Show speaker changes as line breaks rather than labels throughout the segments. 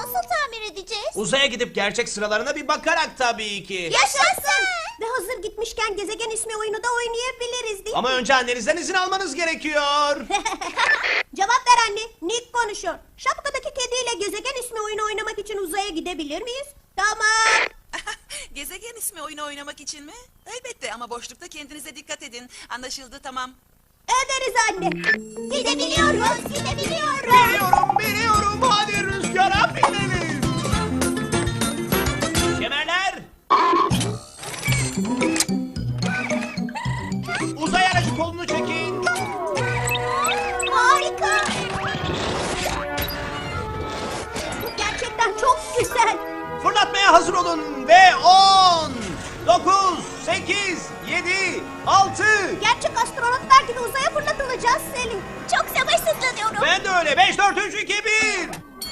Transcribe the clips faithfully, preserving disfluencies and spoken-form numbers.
nasıl tamir edeceğiz?
Uzaya gidip gerçek sıralarına bir bakarak tabii ki.
Yaşasın!
Ve hazır gitmişken gezegen ismi oyunu da oynayabiliriz değil mi?
Ama önce annenizden izin almanız gerekiyor.
Cevap ver anne. Nick konuşuyor. Şapkadaki kediyle gezegen ismi oyunu oynamak için uzaya gidebilir miyiz? Tamam.
Gezegen ismi oyunu oynamak için mi? Elbette ama boşlukta kendinize dikkat edin. Anlaşıldı, tamam.
Ederiz anne.
Gidebiliyoruz, gidebiliyoruz.
Biliyorum, biliyorum. Hadi rüzgara binelim. Kemerler. Uzay aracı kolunu çekin.
Harika. Bu gerçekten çok güzel.
Fırlatmaya hazır olun ve on, dokuz, sekiz, yedi, altı.
Gerçek astronotlar gibi uzaya fırlatılacağız Selin.
Çok sabırsızlanıyorum.
Ben de öyle. beş, dört, üç, iki, bir.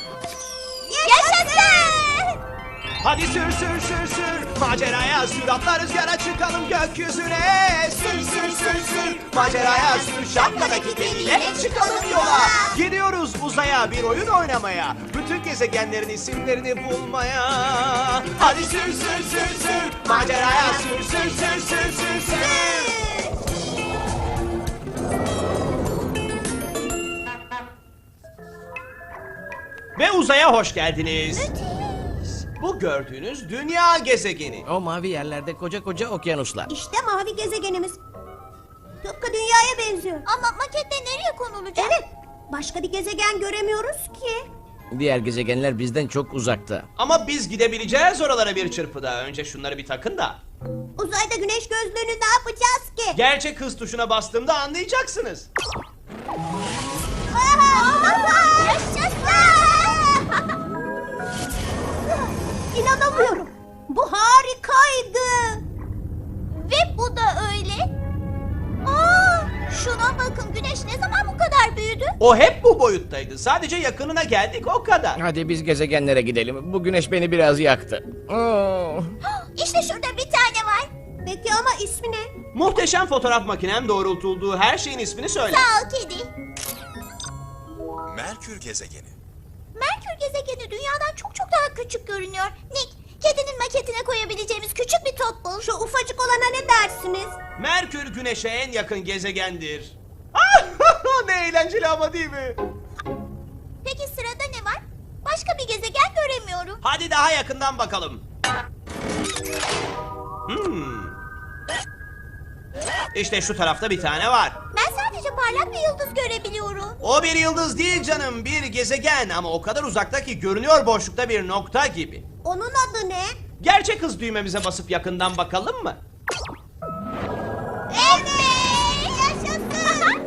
Yaşasın!
Hadi sür sür sür sür. Maceraya sür, atla rüzgara çıkalım gökyüzüne. Sür sür sür sür. Maceraya sür, şapkadaki kediyle çıkalım yola. Gidiyoruz uzaya bir oyun oynamaya. Bütün gezegenlerin isimlerini bulmaya. Hadi sür sür sür sür. Maceraya sür sür sür sür sür sür. Ve uzaya hoş geldiniz. Bu gördüğünüz dünya gezegeni.
O mavi yerlerde koca koca okyanuslar.
İşte mavi gezegenimiz. Tıpkı dünyaya benziyor.
Ama makette nereye konulacak?
Evet. Başka bir gezegen göremiyoruz ki.
Diğer gezegenler bizden çok uzakta.
Ama biz gidebileceğiz oralara bir çırpıda. Önce şunları bir takın da.
Uzayda güneş gözlüğünü ne yapacağız ki?
Gerçek hız tuşuna bastığımda anlayacaksınız.
Yaşasın!
İnanamıyorum. Bu harikaydı.
Ve bu da öyle. Aa, şuna bakın, güneş ne zaman bu kadar büyüdü?
O hep bu boyuttaydı. Sadece yakınına geldik o kadar.
Hadi biz gezegenlere gidelim. Bu güneş beni biraz yaktı. Oo.
İşte şurada bir tane var.
Peki ama ismi ne?
Muhteşem fotoğraf makinem doğrultulduğu her şeyin ismini söyle.
Sağ ol kedi.
Merkür gezegeni.
Merkür gezegeni dünyadan çok çok daha küçük görünüyor. Nick, kedinin maketine koyabileceğimiz küçük bir top bul.
Şu ufacık olana ne dersiniz?
Merkür güneşe en yakın gezegendir. Ne eğlenceli ama değil mi?
Peki sırada ne var? Başka bir gezegen göremiyorum.
Hadi daha yakından bakalım. Hmm. İşte şu tarafta bir tane var.
Ben sadece parlak bir yıldız görebiliyorum.
O bir yıldız değil canım, bir gezegen ama o kadar uzakta ki görünüyor boşlukta bir nokta gibi.
Onun adı ne?
Gerçek hız düğmemize basıp yakından bakalım mı?
Evet! Yaşasın!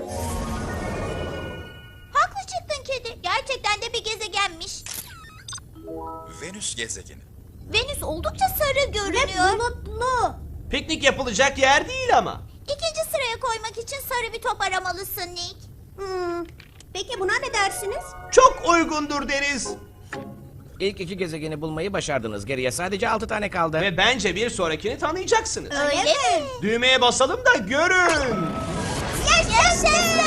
Haklı çıktın kedi. Gerçekten de bir gezegenmiş.
Venüs gezegeni.
Venüs oldukça sarı
Ve
görünüyor.
bulutlu.
Piknik yapılacak yer değil ama.
İkinci sıraya koymak için sarı bir top aramalısın Nick.
Hmm. Peki buna ne dersiniz?
Çok uygundur deriz.
İlk iki gezegeni bulmayı başardınız. Geriye sadece altı tane kaldı.
Ve bence bir sonrakini tanıyacaksınız.
Öyle mi?
Düğmeye basalım da görün.
Yaşasın!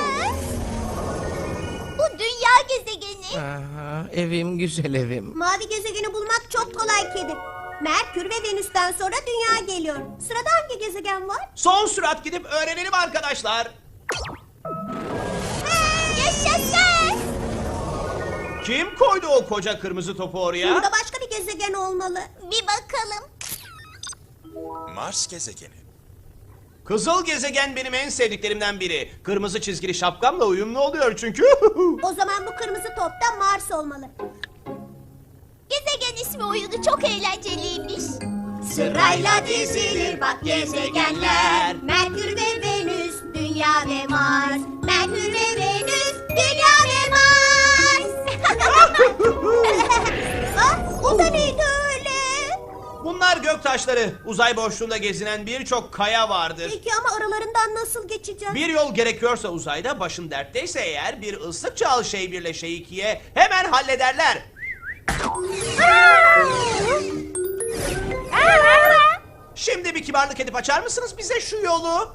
Bu dünya gezegeni.
Aha, evim güzel evim.
Mavi gezegeni bulmak çok kolay kedi. Merkür ve Venüs'ten sonra Dünya geliyor. Sırada hangi gezegen var?
Son sürat gidip öğrenelim arkadaşlar.
Yaşasın!
Kim koydu o koca kırmızı topu oraya?
Burada başka bir gezegen olmalı.
Bir bakalım.
Mars gezegeni.
Kızıl gezegen benim en sevdiklerimden biri. Kırmızı çizgili şapkamla uyumlu oluyor çünkü.
O zaman bu kırmızı top da Mars olmalı.
Gezegen ismi oyunu çok eğlenceliymiş.
Sırayla dizilir bak gezegenler. Merkür ve Venüs, Dünya ve Mars. Merkür ve Venüs, Dünya ve Mars. Ah, o da neydi öyle?
Bunlar göktaşları. Uzay boşluğunda gezinen birçok kaya vardır.
Peki ama aralarından nasıl geçeceğiz?
Bir yol gerekiyorsa uzayda, başın dertteyse eğer bir ıslık çal şey birle şey ikiye hemen hallederler. Şimdi bir kibarlık edip açar mısınız bize şu yolu?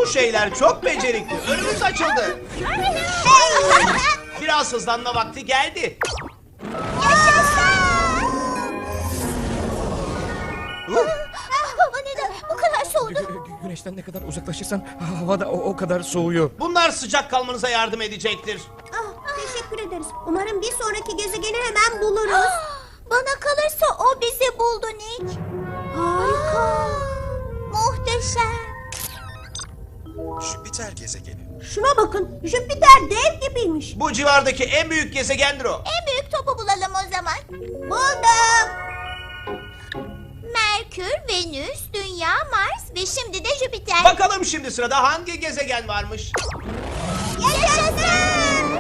şeyler çok becerikli. Önümüz açıldı. Biraz hızlanma vakti geldi.
Hava neden bu kadar soğudu?
Güneşten ne kadar uzaklaşırsan hava da o, o kadar soğuyor.
Bunlar sıcak kalmanıza yardım edecektir.
Ah, teşekkür ederiz. Umarım bir sonraki gezegeni hemen buluruz.
Bana kalırsa o bizi buldu Nick. Harika. Muhteşem.
Jüpiter gezegeni.
Şuna bakın, Jüpiter dev gibiymiş.
Bu civardaki en büyük gezegendir o.
En büyük topu bulalım o zaman.
Buldum.
Merkür, Venüs, Dünya, Mars ve şimdi de Jüpiter.
Bakalım şimdi sırada hangi gezegen varmış?
Yaşasın!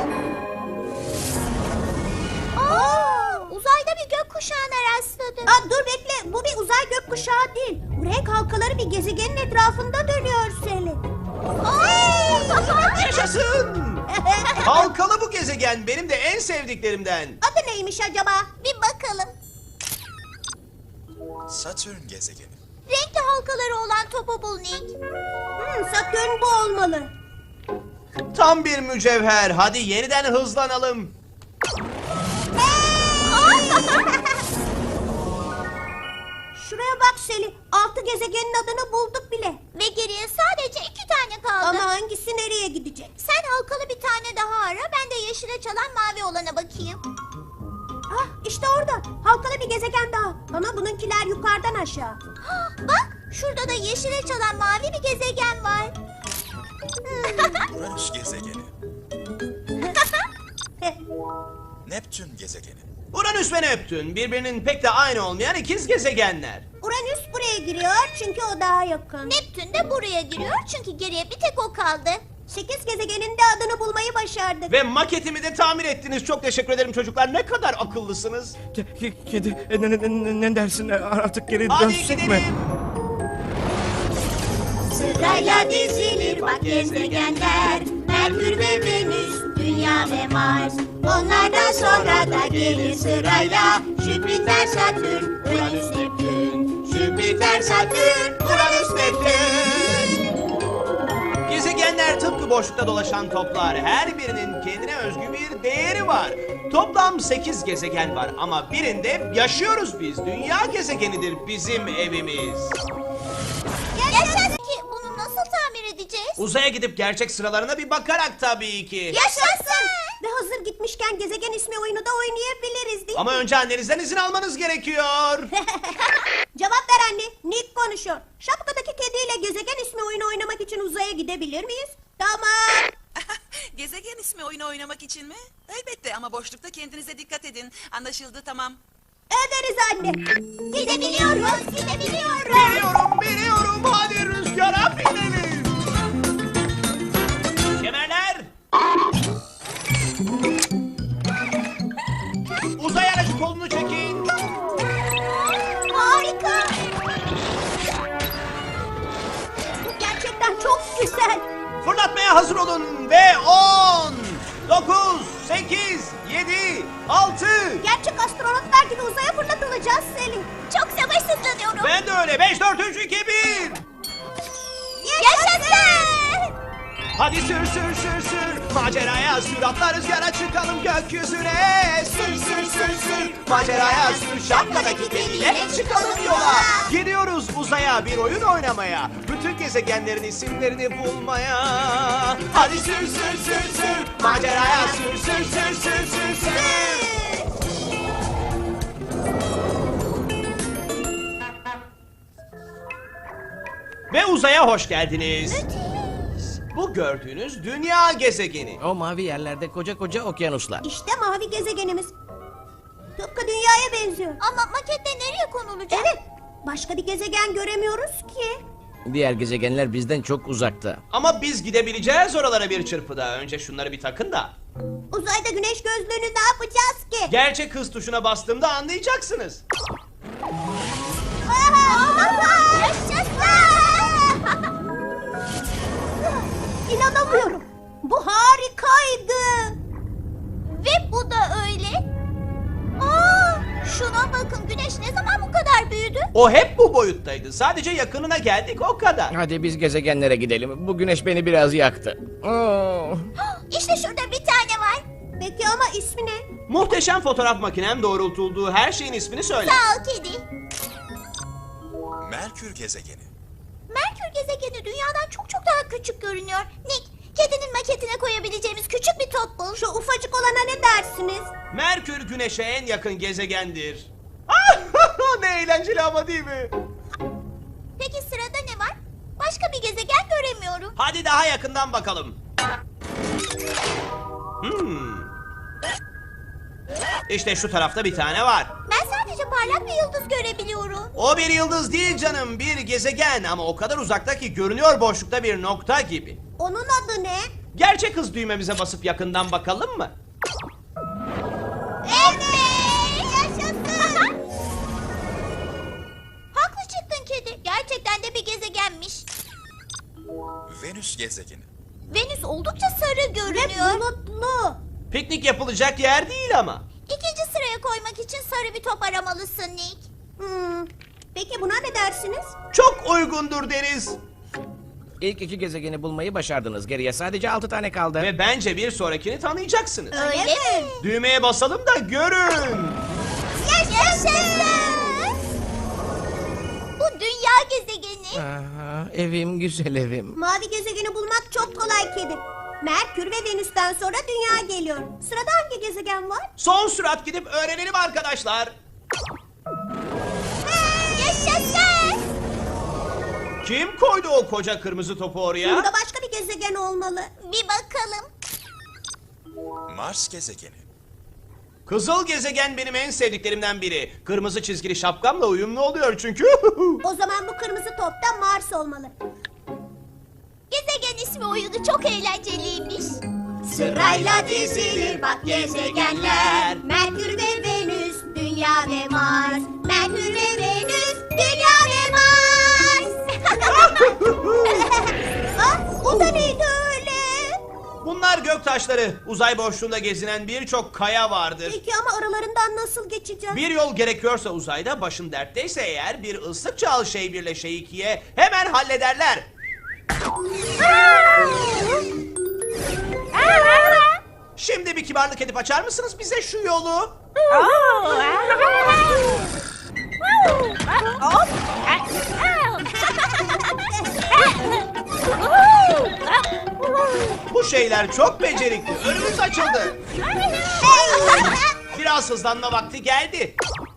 Aa, uzayda bir gökkuşağına rastladım.
Aa, dur bekle, bu bir uzay gökkuşağı değil. Bu renk halkaları bir gezegenin etrafında dönüyor Selin.
Yaşasın! Halkalı bu gezegen benim de en sevdiklerimden.
Adı neymiş acaba?
Bir bakalım.
Satürn gezegeni.
Renkli halkaları olan topu bul Nick.
Hmm, Satürn bu olmalı.
Tam bir mücevher. Hadi yeniden hızlanalım.
Şuraya bak Selin, altı gezegenin adını bulduk bile.
Ve geriye sadece iki tane kaldı.
Ama hangisi nereye gidecek?
Sen halkalı bir tane daha ara, ben de yeşile çalan mavi olana bakayım.
Ah, işte orada. Halkalı bir gezegen daha. Ama bununkiler yukarıdan aşağı.
Ah, bak, şurada da yeşile çalan mavi bir gezegen var.
Uranüs gezegeni. Neptün gezegeni.
Uranüs ve Neptün birbirinin pek de aynı olmayan ikiz gezegenler.
Uranüs buraya giriyor çünkü o daha yakın.
Neptün de buraya giriyor çünkü geriye bir tek o kaldı.
Sekiz gezegenin de adını bulmayı başardık.
Ve maketimi de tamir ettiniz. Çok teşekkür ederim çocuklar. Ne kadar akıllısınız.
Ke- Kedi e, ne, ne, ne, ne dersin artık geri
Hadi
dönsek
gidelim.
mi?
Sırayla dizilir bak gezegenler, Merkür ve Venüs, Dünya ve Mars. Onlardan sonra da gelir sırayla Jüpiter, Satürn, Uranüs, Neptün. Jüpiter, Satürn, Uranüs, Neptün.
Gezegenler tıpkı boşlukta dolaşan toplar. Her birinin kendine özgü bir değeri var. Toplam sekiz gezegen var ama birinde yaşıyoruz biz. Dünya gezegenidir bizim evimiz.
Yaşasın ki bunu nasıl tamir edeceğiz?
Uzaya gidip gerçek sıralarına bir bakarak tabii ki.
Yaşasın!
Ve hazır gitmişken gezegen ismi oyunu da oynayabiliriz değil mi?
Ama önce annenizden izin almanız gerekiyor.
Cevap ver anne. Nick konuşuyor. Şapkadaki kediyle gezegen ismi oyunu oynamak için uzaya gidebilir miyiz? Tamam.
Gezegen ismi oyunu oynamak için mi? Elbette ama boşlukta kendinize dikkat edin. Anlaşıldı, tamam.
Ederiz anne.
Gidebiliyoruz, gidebiliyoruz.
Biliyorum, biliyorum. Hadi rüzgara binelim. Kemerler. Uzay aracı kolunu çekin.
Harika.
Bu gerçekten çok güzel.
Fırlatmaya hazır olun ve on, dokuz, sekiz, yedi, altı.
Gerçek astronotlar gibi uzaya fırlatılacağız Selin.
Çok sabırsızlanıyorum.
Ben de öyle. beş, dört, üç, iki, bir.
Yaşasın!
Hadi sür sür sür sür. Maceraya sür. Atla rüzgara çıkalım gökyüzüne. Sür sür sür sür. Maceraya sür. Şapkadaki deliğe çıkalım yola. Gidiyoruz uzaya bir oyun oynamaya. Bütün gezegenlerin isimlerini bulmaya. Hadi sür sür sür sür. Maceraya sür sür sür sür sür sür. Ve uzaya hoş geldiniz. Bu gördüğünüz dünya gezegeni.
O mavi yerlerde koca koca okyanuslar.
İşte mavi gezegenimiz. Tıpkı dünyaya benziyor.
Ama makette nereye konulacak?
Evet. Başka bir gezegen göremiyoruz ki.
Diğer gezegenler bizden çok uzakta.
Ama biz gidebileceğiz oralara bir çırpıda. Önce şunları bir takın da.
Uzayda güneş gözlüğünü ne yapacağız ki?
Gerçek hız tuşuna bastığımda anlayacaksınız.
Yaşasın!
İnanamıyorum. Bu harikaydı.
Ve bu da öyle. Aa, şuna bakın, güneş ne zaman bu kadar büyüdü?
O hep bu boyuttaydı. Sadece yakınına geldik o kadar.
Hadi biz gezegenlere gidelim. Bu güneş beni biraz yaktı. Oo.
İşte şurada bir tane var.
Peki ama ismi ne?
Muhteşem fotoğraf makinem doğrultulduğu her şeyin ismini söyle.
Sağ ol kedi.
Merkür gezegeni.
Merkür gezegeni dünyadan çok çok daha küçük görünüyor. Nick, kedinin maketine koyabileceğimiz küçük bir top bul.
Şu ufacık olana ne dersiniz?
Merkür güneşe en yakın gezegendir. Ne eğlenceli ama değil mi?
Peki sırada ne var? Başka bir gezegen göremiyorum.
Hadi daha yakından bakalım. Hmm. İşte şu tarafta bir tane var.
Ben sadece parlak bir yıldız görebiliyorum.
O bir yıldız değil canım, bir gezegen ama o kadar uzakta ki görünüyor boşlukta bir nokta gibi.
Onun adı ne?
Gerçek hız düğmemize basıp yakından bakalım mı?
Evet! Yaşasın! Haklı çıktın kedi. Gerçekten de bir gezegenmiş.
Venüs gezegeni.
Venüs oldukça sarı görünüyor.
Bulutlu.
Piknik yapılacak yer değil ama.
İkinci sıraya koymak için sarı bir top aramalısın Nick.
Hmm. Peki buna ne dersiniz?
Çok uygundur deriz.
İlk iki gezegeni bulmayı başardınız. Geriye sadece altı tane kaldı.
Ve bence bir sonrakini tanıyacaksınız.
Öyle, mi?
Düğmeye basalım da görün.
Yaşasın! Bu dünya gezegeni.
Aha, evim güzel evim.
Mavi gezegeni bulmak çok kolay kedi. Merkür ve Venüs'ten sonra Dünya geliyor. Sırada hangi gezegen var?
Son sürat gidip öğrenelim arkadaşlar.
Yaşasın!
Kim koydu o koca kırmızı topu oraya?
Burada başka bir gezegen olmalı.
Bir bakalım.
Mars gezegeni.
Kızıl gezegen benim en sevdiklerimden biri. Kırmızı çizgili şapkamla uyumlu oluyor çünkü.
O zaman bu kırmızı top da Mars olmalı.
Gezegen ismi oyunu çok eğlenceliymiş.
Sırayla dizilir bak gezegenler. Merkür ve Venüs, Dünya ve Mars. Merkür ve Venüs, Dünya ve Mars. Ah, o da neydi öyle?
Bunlar göktaşları. Uzay boşluğunda gezinen birçok kaya vardır.
Peki ama aralarından nasıl geçeceğiz?
Bir yol gerekiyorsa uzayda, başın dertteyse eğer bir ıslık çal şey birle şey ikiye hemen hallederler. Şimdi bir kibarlık edip açar mısınız bize şu yolu? Bu şeyler çok becerikli. Önümüz açıldı. Biraz hızlanma vakti geldi.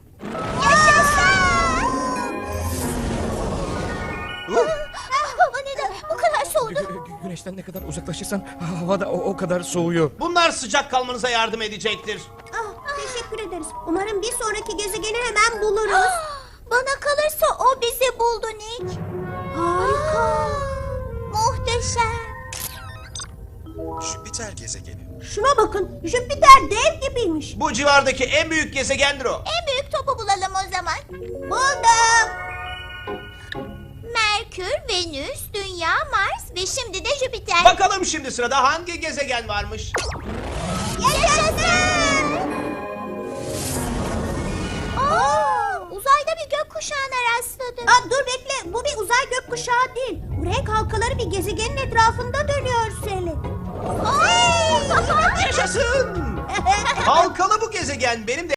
Uh,
Hava neden bu kadar soğudu?
Güneşten ne kadar uzaklaşırsan havada o, o kadar soğuyor.
Bunlar sıcak kalmanıza yardım edecektir.
Ah, teşekkür ederiz. Umarım bir sonraki gezegeni hemen buluruz.
Bana kalırsa o bizi buldu Nick.
Harika.
Muhteşem.
Jüpiter gezegeni.
Şuna bakın, Jüpiter dev gibiymiş.
Bu civardaki en büyük gezegendir o.
En büyük topu bulalım o zaman.
Buldum.
Merkür, Venüs, Dünya, Mars ve şimdi de Jüpiter.
Bakalım şimdi sırada hangi gezegen varmış?
Yaşasın! Aa, uzayda bir gökkuşağına rastladım.
Aa, dur bekle, bu bir uzay gökkuşağı değil. Bu renk halkaları bir gezegenin etrafında dönüyor Selin.
Yaşasın! Halkalı bu gezegen benim de